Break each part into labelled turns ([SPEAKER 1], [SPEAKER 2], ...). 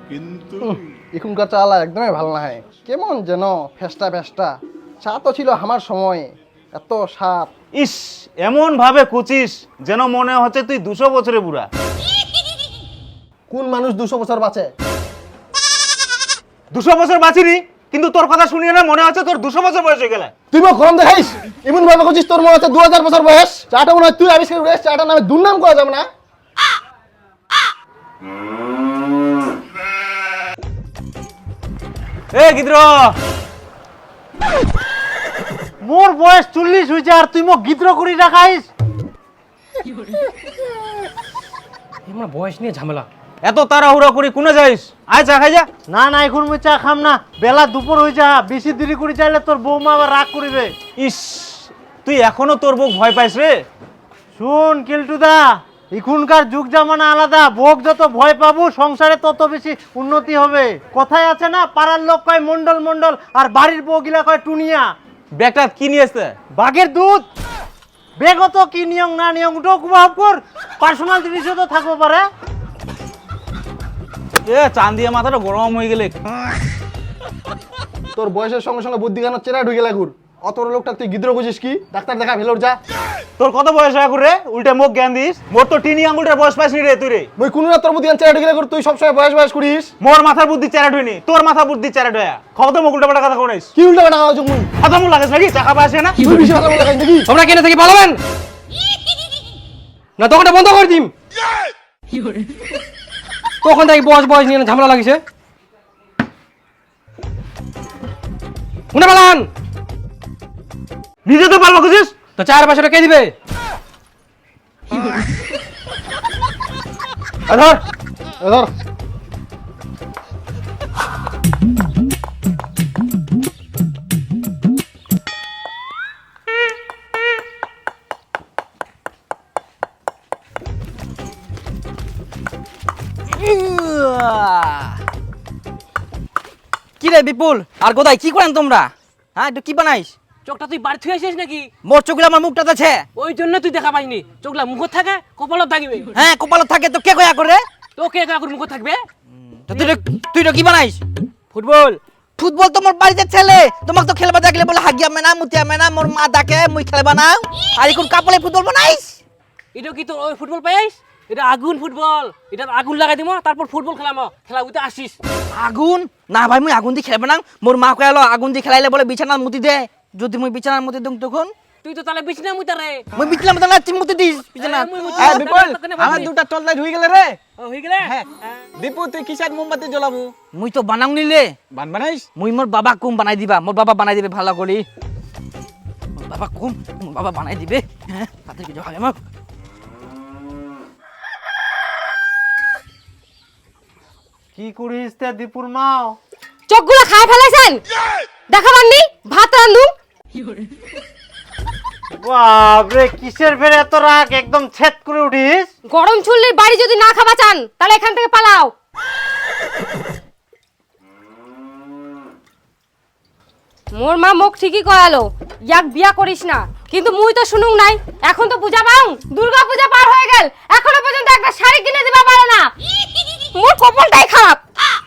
[SPEAKER 1] এখনকার চালা একদমই ভালো না হয়, কেমন যেন ফেস্টা ফেস্টা। চা তো ছিল আমার সময়, এত স্বাদ।
[SPEAKER 2] ইস, এমন ভাবে কুচিস যেন মনে হচ্ছে তুই 200 বছরে বুড়া।
[SPEAKER 1] কোন মানুষ 200 বছর বাঁচে?
[SPEAKER 2] 200 বছর বাঁচিনি, কিন্তু তোর কথা শুনিয়ে না মনে হচ্ছে তোর 200 বছর বয়স হয়ে গেলে।
[SPEAKER 1] তুই মোক গরম দেখাইস, এমন ভাবে করছিস তোর মনে হচ্ছে 2000 বছর বয়স। চাটা মনে হয় তুই আবিষ্কার করিস, চাটা নামে দুর্নাম করা যাবে না।
[SPEAKER 2] এ গিদ্র, মোর বয়স 40 হইছে আর তুই মোক গিদ্র করি রাখাইস।
[SPEAKER 3] আমার বয়স নিয়ে ঝামেলা।
[SPEAKER 2] এত তাড়াহুড়া করি কোনে যাইস? আয় চা খাই যা।
[SPEAKER 3] না না, এখন আমি চা খাম না, বেলা দুপুর হয়ে যা। বেশি দেরি করে চাইলে তোর বৌমা আবার রাগ করিবে।
[SPEAKER 2] ইস, তুই এখনো তোর বউ ভয় পাইস রে?
[SPEAKER 3] শুন কেলটুদা, এখনকার যুগ জামানা আলাদা। বউক যত ভয় পাবো সংসারে তত বেশি উন্নতি হবে। কথায় আছে না, পাড়ার লোক কয় মন্ডল মন্ডল, আর বাড়ির বউ গিলা কয় টুনিয়া।
[SPEAKER 2] ব্যাগটা কি নিয়ে আসতে?
[SPEAKER 3] বাঘের দুধ। বেগত কি নিয়ম না নিয়ম ওটাও কুবাহ কর, পার্সোনাল জিনিসও তো থাকবো পারে।
[SPEAKER 2] এ চান দিয়ে মাথাটা গরম হয়ে গেলে।
[SPEAKER 1] তোর বয়সের সঙ্গে সঙ্গে বুদ্ধি গানোর চেরা ঢুকে লাগুর। অত লোকটা তুই গিদ্র বুঝিস কি? ডাক্তার দেখা ভেলোর যা।
[SPEAKER 2] তোর কত বয়স হয়ে রে? উল্টে মুখ জ্ঞান দিস। মোর তো টিনি আঙ্গুলটার বয়স পাইসনি রে তুই রে।
[SPEAKER 1] মই কোন না তোর বুদ্ধি গান চেরা ঢুকে লাগুর, তুই সবসময় বয়স বয়স করিস।
[SPEAKER 2] মোর মাথার বুদ্ধি চেরা ঢুইনি, তোর মাথা বুদ্ধি চেরা ঢয়া। খবর তো মুখ উল্টা পাল্টা কথা কোনিস।
[SPEAKER 1] কি উল্টা পাল্টা কথা মুই?
[SPEAKER 2] কথা মুখ লাগাস নাকি? টাকা পাইছে না?
[SPEAKER 1] তুই বেশি কথা বলে লাগাইস নাকি?
[SPEAKER 3] তোমরা কেন থেকে পালাবেন না? দোকানটা বন্ধ করে দিম। তখন থেকে বয়স বয়স নিয়ে ঝামেলা লাগিছে। শুনে পালান।
[SPEAKER 2] নিজে তো পারবো খুঁজিস
[SPEAKER 3] তো 4 বছরে কে দিবে?
[SPEAKER 1] ধর ধর।
[SPEAKER 4] কি রে বিপুল আর গোদাই, কি করেন তোমরা? হ্যাঁ, একটু কি বানাইস?
[SPEAKER 5] চোখটা তুই বাড়ি থেকে আসিস নাকি?
[SPEAKER 4] মোর চোখগুলো আমার মুখটাতে আছে।
[SPEAKER 5] ওই জন্য তুই দেখা পাইনি। চোখলা মুখত থাকে, কপালত থাকিবে।
[SPEAKER 4] হ্যাঁ, কপালত থাকে তো কে কয়া করে?
[SPEAKER 5] তোকে কাকুর মুখত থাকবে।
[SPEAKER 4] তো তুই তো কি বানাইস?
[SPEAKER 5] ফুটবল।
[SPEAKER 4] ফুটবল তো মোর বাড়িতে ছেলে, তোমাকে তো খেলবা দেখলে বলে হাগিয়া মেনা মুতিয়া মেনা, মোর মা ডাকে মুই খেলবা না। আর এখন কাপলে ফুটবল বানাইস?
[SPEAKER 5] এটা কি তোর ওই ফুটবল পাইস? এটা আগুন ফুটবল। এটা আগুন লাগাই দিমো, তারপর ফুটবল খেলামো। খেলা উঠে আসিস।
[SPEAKER 4] আগুন না ভাই, মুই আগুন দিয়ে খেলবা না। মোর মা কয়ালো আগুন দিয়ে খেলাইলে বলে বিছানার মুতি দে। যদি মুই বিছানার মুতি দিম তখন
[SPEAKER 5] তুই তো তাহলে বিছনা মুইতারে।
[SPEAKER 4] মুই বিছানার মতো না চিমুতি দিস বিছানা।
[SPEAKER 5] মুই মুতি
[SPEAKER 4] এ
[SPEAKER 5] দিস,
[SPEAKER 4] বিপুল,
[SPEAKER 5] তোকে
[SPEAKER 4] আমার
[SPEAKER 5] বলছি।
[SPEAKER 4] দুটা টর্চ লাইট হয়ে গেলে রে।
[SPEAKER 5] হয়ে গেলে?
[SPEAKER 4] হ্যাঁ। দীপু, তুই কিসার মোমবাতি জ্বলাবো? মুই তো বানাও নিলে বানাইস। মুই মোর বাবা কুম বানাই দিবা। মোর বাবা বানাই দিবে ভালো করে। মোর বাবা কুম, মোর বাবা বানাই দিবে। হ্যাঁ, তাতে কি জয় আমাক।
[SPEAKER 3] কি করিস তে দীপুর মাও?
[SPEAKER 6] চোখগুলো খায় ফেলাইছেন, দেখাবাননি ভাত রান্ধু।
[SPEAKER 3] বাপরে, কিসের ফের এত রাগ? একদম ছেদ করে উঠিস।
[SPEAKER 6] গরম চুল্লির বাড়ি যদি না খাবা চান তাহলে এখান থেকে পালাও। মোর মা মুখ ঠিকই কয়ালো, ইয়াক বিয়া করিস না, কিন্তু মুই তো শুনুং নাই। এখন তো পূজা পাও, দুর্গা পূজা পার হয়ে গেল, এখনো পর্যন্ত একটা শাড়ি কিনে দিবা পারে না। মোর কপালটাই খারাপ।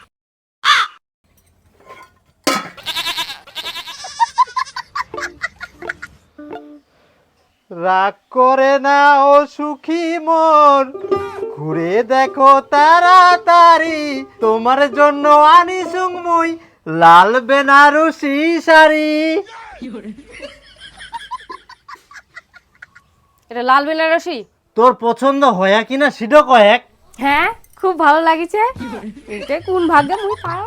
[SPEAKER 3] রাগ করে না ও সুখী মন, ঘুরে দেখো তাড়াতাড়ি, তোমার জন্য আনিসুং মুই লাল বেনারসি শাড়ি।
[SPEAKER 6] এটা লাল বেনারসি
[SPEAKER 3] তোর পছন্দ হয় কিনা সেটা কয়েক।
[SPEAKER 6] হ্যাঁ, খুব ভালো লাগিছে। এটা কোন ভাগ্যে মুই পাও।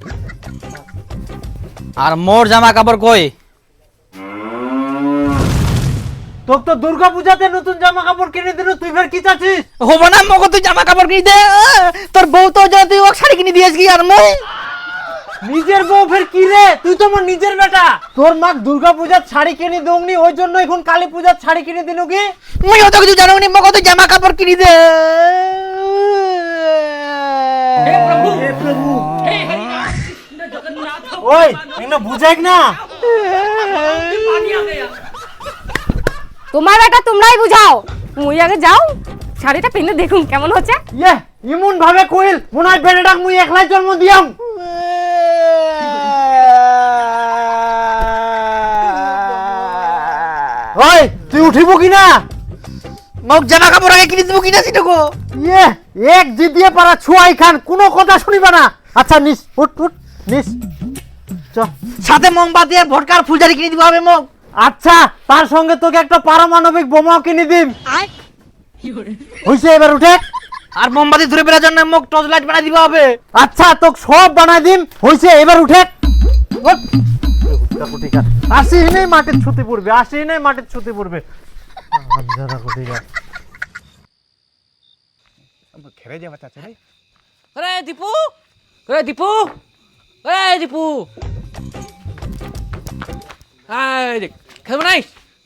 [SPEAKER 4] আর মোর জামা কাপড় কই?
[SPEAKER 3] তোর তো দুর্গা পূজাতে নতুন জামা কাপড় কিনে দিল, তুই ফের কি চাচ্ছিস?
[SPEAKER 4] হবো না মগো, তুই জামা কাপড় কিনে দে। তোর বউ তো যা, তুই ওকে শাড়ি কিনে দিয়েছ কি? আর মই
[SPEAKER 3] নিজের বউ ফের কি রে? তুই তো আমার নিজের বেটা। তোর মা দুর্গা পূজার শাড়ি কিনে দৌনি, ওই জন্য এখন কালী পূজার শাড়ি কিনে দিনু কি?
[SPEAKER 4] মই অত কিছু জানো নি মগো, তুই জামা কাপড় কিনে দে।
[SPEAKER 3] ওই এগুলো বুঝাইক না।
[SPEAKER 6] তোমার বেটা তোমরাই বুঝাও, মুই আগে যাও, শাড়িটা পিনে দেখুন কেমন হচ্ছে।
[SPEAKER 3] ইয়ে, ইমন ভাবে কইল মনে হয় বেটাটাক মুই একলাই জন্ম দিয়াম। ওই তুই উঠিব কিনা?
[SPEAKER 4] মোক জামা কাপড় আগে কিনে দেবো কিনা সেটুকু।
[SPEAKER 3] ইয়ে এক জিদিয়ে পারা ছুয়াই খান, কোনো কথা শুনিবা না। আচ্ছা নিস, উঠ উঠ নিস। চ
[SPEAKER 4] সাথে মোমবাতি আর ভটকার ফুলঝারি কিনে দিব হবে মোক।
[SPEAKER 3] আচ্ছা তার সঙ্গে তোকে একটা পারমাণবিক বোমাও কিনে দিম। হইছে এবার উঠে।
[SPEAKER 4] আর মোমবাতি ধরে বেড়ার জন্য মোক টর্চ লাইট বানাই দিব হবে।
[SPEAKER 3] আচ্ছা তোকে সব বানাই দিম। হইছে এবার উঠে। আসিস নেই মাটির ছুটি পড়বে, আসিস নেই মাটির ছুটি পড়বে।
[SPEAKER 5] আরে দীপু, আরে দীপু, আরে দীপু, এই দেখ খেলবো নাই?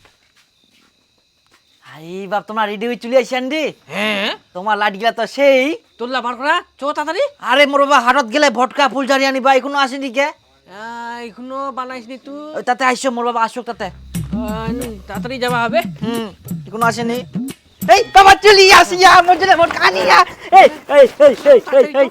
[SPEAKER 4] আই বাপ তোমার রেডি হয়ে চলে আসেন রে।
[SPEAKER 5] হ্যাঁ
[SPEAKER 4] তোমার লাইট গিলা তো সেই।
[SPEAKER 5] তোল্লা বার করা চো তাড়াতাড়ি।
[SPEAKER 4] আরে মোর বাবা হাটত গেলে ভটকা ফুলঝারি আনিবা, এখনো আসেনি কে?
[SPEAKER 5] এখনো বানাইসনি তুই?
[SPEAKER 4] ওই তাতে আইসো, মোর বাবা আসুক তাতে।
[SPEAKER 5] তাড়াতাড়ি যাবা হবে।
[SPEAKER 4] এখনো আসেনি। এই বাবা চলি আসিয়া মজলে ভটকা আনিয়া। এই এই এই এই এই এই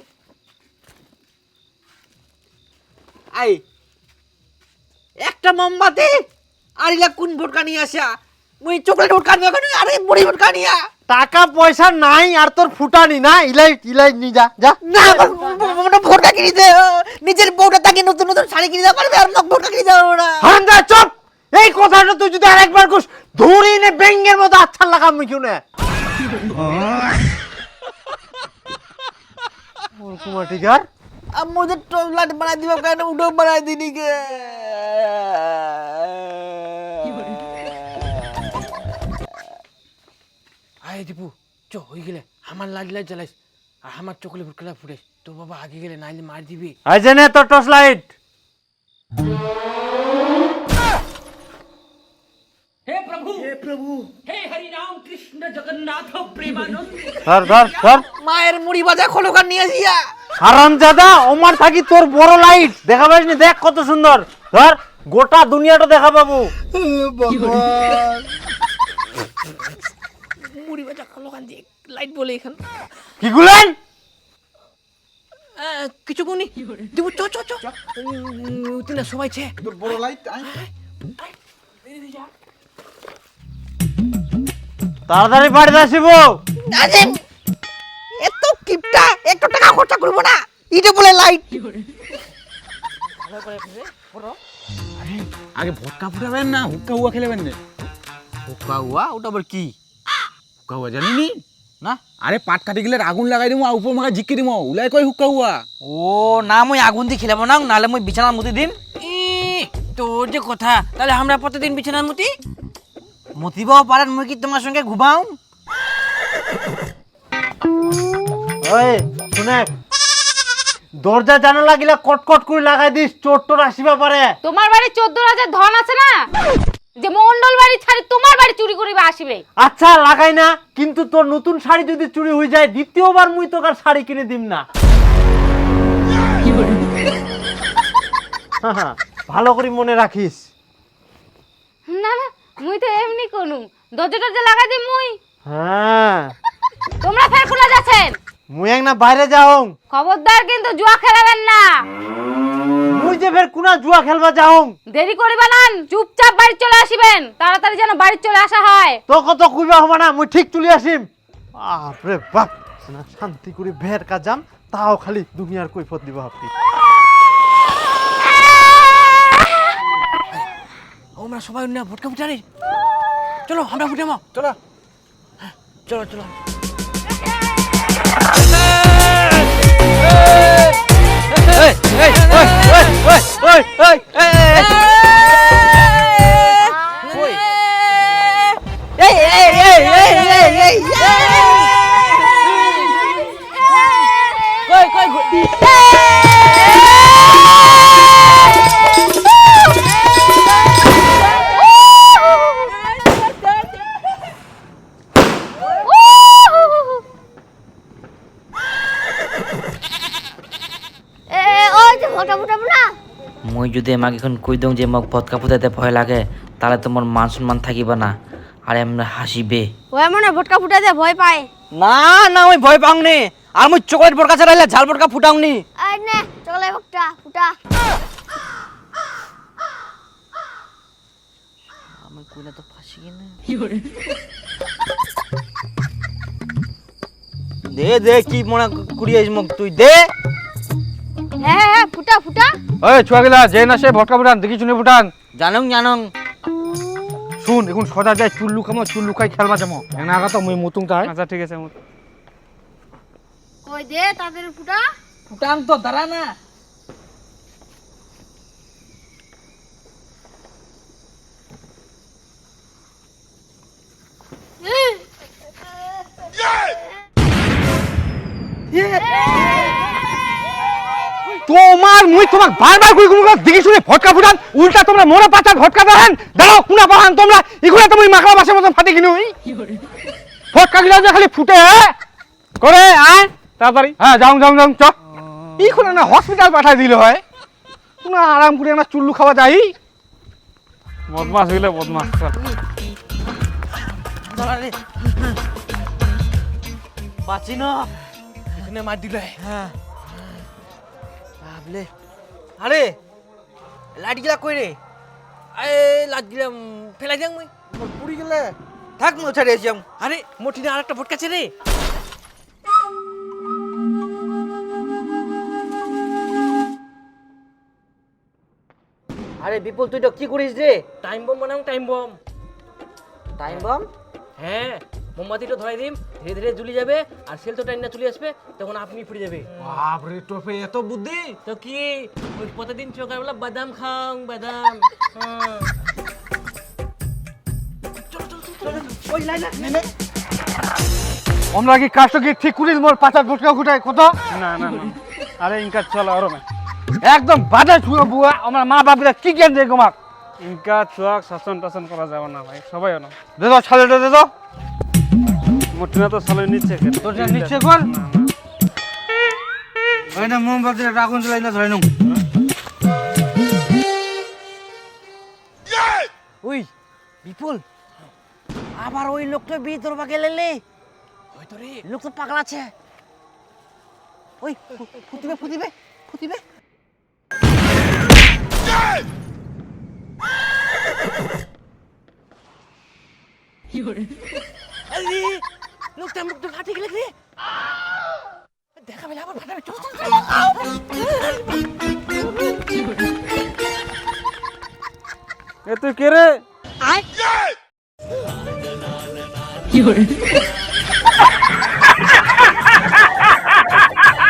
[SPEAKER 4] আই একটা মোমবাতি আর ইলা কোন ভটকা নিয়ে আসা? মুই চকলেট ভটকা নিয়া কেন? আরে বড়ি ভটকা নিয়া।
[SPEAKER 3] টাকা পয়সা নাই আর তোর ফুটানি না, ইলাই ইলাই নি যা যা।
[SPEAKER 4] না মোটা ভটকা কিনে দে, নিজের বউটা তাকে নতুন নতুন শাড়ি কিনে দেওয়া পারবে আর মোক ভটকা কিনে দেওয়া না।
[SPEAKER 3] হারামদা চুপ। এই কথাটা তুই যদি আরেকবার কস ধরি নে বেঙ্গের মতো আচ্ছা লাগাম মিকিউ না। ওর কুমার টিকার
[SPEAKER 4] আমাদের টর্চ লাইট বানাই দিবা কেন? উডো বানাই দিনি কে?
[SPEAKER 5] আয় দীপু চো হয়ে গেলে আমার লাইট লাইট জ্বালাইস আর আমার চকলে ফুটকলা ফুটাইস। তোর বাবা আগে গেলে নাইলে মার দিবি।
[SPEAKER 3] আই জেনে তোর টর্চ লাইট।
[SPEAKER 5] হে প্রভু, হে প্রভু, হে হরি রাম কৃষ্ণ জগন্নাথ প্রেমানন্দ।
[SPEAKER 3] ধর ধর ধর।
[SPEAKER 4] মায়ের মুড়ি ভাজা খোলকার নিয়ে আসিয়া।
[SPEAKER 3] হারামজাদা ওমার থাকি তোর বড় লাইট দেখা পাইনি, দেখ কত সুন্দর। ধর গোটা দুনিয়াটা দেখা পাবো।
[SPEAKER 5] মুড়ি ভাজা খোলকার দিয়ে লাইট বলে এখান
[SPEAKER 3] কি গুলেন?
[SPEAKER 5] কিছু কোনি দীপু চো চো চো তিনা সবাই ছে
[SPEAKER 1] তোর বড় লাইট
[SPEAKER 3] তাড়াতাড়ি বাড়িতে আসিব।
[SPEAKER 4] আরে এত কিপটা, একটু টাকা খরচা করব না, ইটা বলে লাইট।
[SPEAKER 2] আগে ভটকা ফুটাবেন না হুক্কা হুয়া খেলেবেন না?
[SPEAKER 4] হুক্কা হুয়া ওটা আবার কি?
[SPEAKER 2] হুক্কা হুয়া জানিনি
[SPEAKER 4] না
[SPEAKER 2] আরে পাট কাটি গেলে আগুন লাগাই দিমু আর উপর মাখা ঝিক্কি দিমু উলাই কই হুক্কা হুয়া।
[SPEAKER 4] ও না মই আগুন দিয়ে খেলাবো না, নালে মই বিছানার মুতি দিম।
[SPEAKER 5] তোর যে কথা, তাহলে আমরা প্রতিদিন বিছানার মুতি
[SPEAKER 4] মুতিবাও পারেন, মই কি তোমার সঙ্গে ঘুমাও?
[SPEAKER 3] ওই শুনে দরজা জানালা গিলা কটকট করে লাগাই দিস, চোর টোর আসিবা পারে।
[SPEAKER 6] তোমার বাড়ি 14,000 ধন আছে না, যে মন্ডল বাড়ি ছাড়ি তোমার বাড়ি চুরি করিবা আসিবে।
[SPEAKER 3] আচ্ছা লাগাই না, কিন্তু তোর নতুন শাড়ি যদি চুরি হয়ে যায় দ্বিতীয়বার মুই তোর শাড়ি কিনে দিম না। ভালো করে মনে রাখিস।
[SPEAKER 6] না না মুই তো এমনি কোনু দরজাটা যে লাগাই দিই মুই।
[SPEAKER 3] হ্যাঁ
[SPEAKER 6] তোমরা ফের খোলা যাচ্ছেন?
[SPEAKER 3] মুই এক না বাইরে যাও।
[SPEAKER 6] খবরদার কিন্তু জুয়া খেলাবেন না।
[SPEAKER 3] মুই যে ফের কোনা জুয়া খেলবা যাও।
[SPEAKER 6] দেরি করিবা না, চুপচাপ বাড়ি চলে আসিবেন, তাড়াতাড়ি যেন বাড়ি চলে আসা হয়।
[SPEAKER 3] তো কত কইবা হবে না, মুই ঠিক চলে আসিম। বাপরে বাপ, না শান্তি করে ভের কাজাম, তাও খালি দুনিয়ার কৈফত দিবা আপনি।
[SPEAKER 5] আমরা সবাই না ভটকা ফুটারে চলো, আমরা ফুটামো চলো চলো চলো।
[SPEAKER 4] মই যদি আমাকে এখন কই দઉં যে মোক ভটকা ফুটাইতে ভয় লাগে, তাহলে তোমার মান সম্মান থাকিবা না, আর এমনি হাসিবে।
[SPEAKER 6] ও এমন ভটকা ফুটাতে ভয় পায়
[SPEAKER 4] না না ওই ভয় পাও নে, আর মুই চকলেট বড়কা ছাড়াইলে ঝাল বড়কা ফুটাউনি
[SPEAKER 7] আর নে চলে বকটা ফুটা
[SPEAKER 4] আমি কইনা তো ফাঁসি কিনা দে দে কি মনে কুড়িয়েছ মুখ তুই দে
[SPEAKER 7] হ্যাঁ হ্যাঁ ফুটা ফুটা
[SPEAKER 3] ওই ছুয়াগিলা যে না সে ভটকা ফুটান দেখি শুনে ফুটান
[SPEAKER 4] জানং জানং
[SPEAKER 3] শুন এখন সদা যায় চুল্লু কামো চুল্লু খাই খেলবা যাবো এনা আগা তো মুই মুতুং তাই
[SPEAKER 2] আচ্ছা ঠিক আছে
[SPEAKER 7] কই দে তাদের ফুটা
[SPEAKER 4] ফুটাং তো দাঁড়া না
[SPEAKER 3] তোমার মুই তোমাক বারবার কই কোন দেখি শুনে ভটকা ফুটান উল্টা তোমরা মোরা পাতা ভটকা দেন দাঁড়াও কুনা পাহান তোমরা ইগুলা তো মুই মাকড়া বাসের মতন ফাটি কিনুই ভটকা গিলা যে খালি ফুটে করে আয় তাড়াতাড়ি হ্যাঁ যাও যাও যাও চ ইখন না হসপিটাল পাঠাই দিলে হয় কুনা আরাম করে না চুল্লু খাওয়া যাই
[SPEAKER 2] বদমাস হইলে বদমাস
[SPEAKER 4] দাঁড়া রে বাঁচি না এখানে মার দিলে হ্যাঁ বাবলে আরে লাইট গিলা কই রে
[SPEAKER 5] এ লাগ দিলাম ফেলাই দিলাম মুই
[SPEAKER 4] পুরি গেলে থাক মো ছাড়ে যাম
[SPEAKER 5] আরে মোটিনে আরেকটা ভটকাছে রে
[SPEAKER 4] আরে বিপুল তুই তো কি করিস রে
[SPEAKER 5] টাইম বম বানাও টাইম বম
[SPEAKER 4] টাইম বম
[SPEAKER 5] হ্যাঁ মোমবাতিটা ধরাই দিম ধীরে ধীরে জ্বলি যাবে আর সেল তো টাইম না চলে আসবে তখন আপনি ফুটে যাবে
[SPEAKER 3] বাপ রে টোপে এত বুদ্ধি
[SPEAKER 5] তো কি ওই প্রতিদিন সকালবেলা বাদাম খাও বাদাম হ্যাঁ
[SPEAKER 3] আমরা কি কাজটা কি ঠিক করিস মোর পাতা ভটকা ফুটাই কত
[SPEAKER 2] না না না আরে ইনকা চল আরো না
[SPEAKER 3] একদম বাজে ছুঁয়ে বুয়া আমার মা বাপরা কি জ্ঞান দেয় গোমাক
[SPEAKER 2] ইনকা চুয়াক শাসন টাসন করা যাবে না ভাই সবাই না
[SPEAKER 3] দে দাও ছালে দে দাও
[SPEAKER 2] মোটিনা তো সালে নিচ্ছে
[SPEAKER 3] তোর নিচ্ছে কর ওই না মোমবাতি আগুন জ্বালাই না ধরে নাও
[SPEAKER 4] ওই বিপুল আবার ওই লোকটা বিয়ে তোর বাগে লেলে
[SPEAKER 5] হয়তো রে
[SPEAKER 4] লোক তো পাগলা আছে ওই ফুটিবে ফুটিবে ফুটিবে
[SPEAKER 5] আরে লোকটা মুখটা ফাটে গেলে রে দেখা পেলে আবার ফাটাবে চল চল
[SPEAKER 2] এ তুই কে রে
[SPEAKER 7] আয়